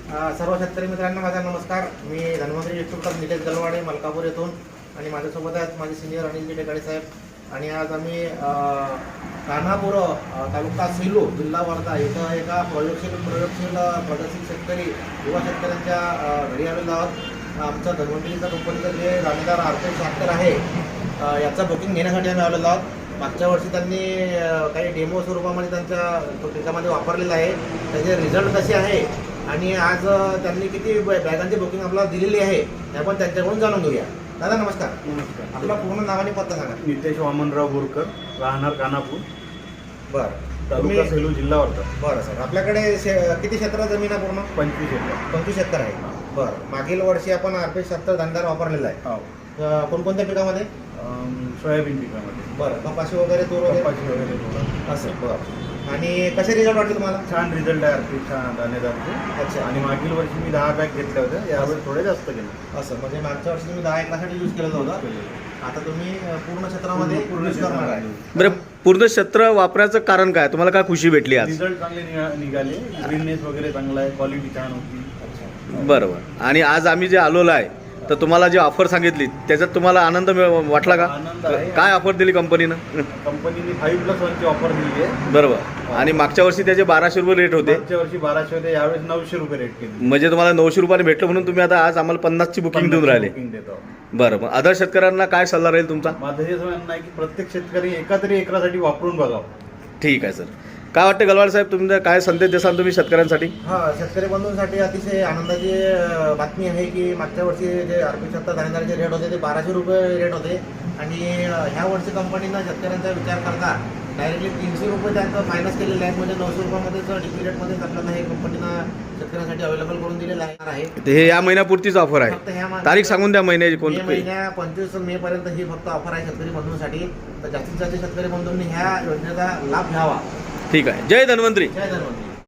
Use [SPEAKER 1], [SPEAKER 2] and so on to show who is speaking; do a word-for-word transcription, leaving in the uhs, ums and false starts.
[SPEAKER 1] अ, सर्व शेतकरी मित्रांना माझा नमस्कार. मी धन्वंतरी डिस्ट्रिब्युटर निलेश गलवाडे मलकापूर येथून आणि माझ्यासोबत आहेत माझे सिनियर अनिल टेकाळे साहेब. आणि आज आम्ही अ, कान्हापूर अ, तालुका सेलू जिल्हा वर्धा इथं एका प्रयोगशील प्रयोगशील प्रगतशील शेतकरी युवा शेतकऱ्यांच्या अ, घरी आलेलो आहोत. आमचा धन्वंतरीचा कंपनीचं जे दाणेदार आर्थिक ट्रॅक्टर आहे अ, याचं बुकिंग घेण्यासाठी आम्ही आलेलो आहोत. मागच्या वर्षी त्यांनी अ, काही डेमो स्वरूपामध्ये त्यांच्या पिकामध्ये वापरलेलं आहे. त्याचे रिझल्ट कसे आहे आणि आज अ, त्यांनी किती ब- बॅगांची बुकिंग आपल्याला दिलेली आहे हे आपण त्यांच्याकडून जाणून घेऊया. दादा नमस्कार.
[SPEAKER 2] नमस्कार.
[SPEAKER 1] आपला पूर्ण नाव आणि पत्ता सांगा.
[SPEAKER 2] नितेश वामनराव बोरकर, राहणार कानापूर,
[SPEAKER 1] बरं
[SPEAKER 2] तालुका
[SPEAKER 1] तुम्ही-
[SPEAKER 2] सेलू, जिल्हा वर्धा.
[SPEAKER 1] बरं सर, आपल्याकडे शे- किती क्षेत्र जमीन आहे पूर्ण?
[SPEAKER 2] पंचवीस एकर.
[SPEAKER 1] पंचवीस एकर आहे. बरं, मागील वर्षी आपण आरपी सत्तर दाणेदार वापरलेला आहे.
[SPEAKER 2] हो.
[SPEAKER 1] अ, कोणकोणत्या पिकामध्ये?
[SPEAKER 2] अम, सोयाबीन पिकामध्ये
[SPEAKER 1] बरं, कपाशी वगैरे तूर वगैरे
[SPEAKER 2] कपाशी वगैरे थोडं.
[SPEAKER 1] असं. बरं, आणि कसे रिझल्ट वाटले तुम्हाला?
[SPEAKER 2] छान रिझल्ट आहे आर्थिक छान दाणेदारचे.
[SPEAKER 1] अच्छा.
[SPEAKER 2] आणि मागील वर्षी मी दहा बॅग घेतल्या होत्या, यावेळी थोडे जास्त केले.
[SPEAKER 1] असं म्हणजे मागच्या वर्षी तुम्ही दहा एकरासाठी यूज केलेलं होतं, आता तुम्ही अ, पूर्ण क्षेत्रामध्ये
[SPEAKER 2] पूर्ण
[SPEAKER 1] यूज करणार आहे.
[SPEAKER 2] क्षेत्रामध्ये.
[SPEAKER 3] बरं, पूर्ण क्षेत्र वापरायचं कारण काय? तुम्हाला काय खुशी भेटली आज?
[SPEAKER 2] रिझल्ट चांगले निघा- निघाले. ग्रीननेस वगैरे चांगला आहे, क्वालिटी छान होती.
[SPEAKER 3] बरोबर. आणि आज आम्ही जे आलेलो आहे तर तुम्हाला जी ऑफर सांगितली त्याच्यात तुम्हाला आनंद मिळ- वाटला का?
[SPEAKER 2] आनंद आहे.
[SPEAKER 3] काय ऑफर दिली कंपनीनं?
[SPEAKER 2] कंपनीने फाईव्ह प्लस वनची ऑफर दिली आहे.
[SPEAKER 3] बरोबर. आणि मागच्या वर्षी त्याचे बाराशे रुपये रेट होते,
[SPEAKER 2] मागच्या वर्षी बाराशे होते, यावेळेस नऊशे रुपये रेट केली.
[SPEAKER 3] म्हणजे तुम्हाला नऊशे रुपयाने भेटलं म्हणून तुम्ही आता आज आम्हाला पन्नासची बुकिंग देऊन राहिले.
[SPEAKER 2] बुकिंग देतो.
[SPEAKER 3] बरं, मग अदर शेतकऱ्यांना काय सल्ला राहील तुमचा?
[SPEAKER 2] माझं हे म्हणणं आहे की प्रत्येक शेतकरी एका तरी एकरासाठी वापरून बघावं.
[SPEAKER 3] ठीक आहे सर. काय वाटतं गलवाड साहेब, तुमचा काय संदेश देसाल तुम्ही शेतकऱ्यांसाठी?
[SPEAKER 1] हा, शेतकरी बंधूंसाठी अतिशय आनंदाची अ, बातमी आहे की मागच्या वर्षी जे आरपी सत्ता दाणेदारचे रेट होते ते बाराशे रुपये रेट होते आणि अ, ह्या वर्षी कंपनीनं शेतकऱ्यांचा विचार करता डायरेक्टली तीनशे रुपये त्यांचं मायनस केलेले आहेत. म्हणजे नऊशे रुपयामध्येच डिपी रेटमध्येच आपल्याला हे कंपनीनं शेतकऱ्यांसाठी अवेलेबल करून दिलेलं आहे.
[SPEAKER 3] ते हे या महिन्यापुरतीच ऑफर
[SPEAKER 1] फक्त
[SPEAKER 3] आहे.
[SPEAKER 1] ह्या मा-
[SPEAKER 3] तारीख सांगून द्या महिन्याची
[SPEAKER 1] मे
[SPEAKER 3] कोणती?
[SPEAKER 1] महिन्या पंचवीस मे पर्यंत ही फक्त ऑफर आहे शेतकरी बंधूंसाठी. तर जास्तीत जास्त शेतकरी बंधूंनी ह्या योजनेचा लाभ घ्यावा.
[SPEAKER 3] ठीक आहे. जय धन्वंतरी.
[SPEAKER 1] जय धन्वंतरी.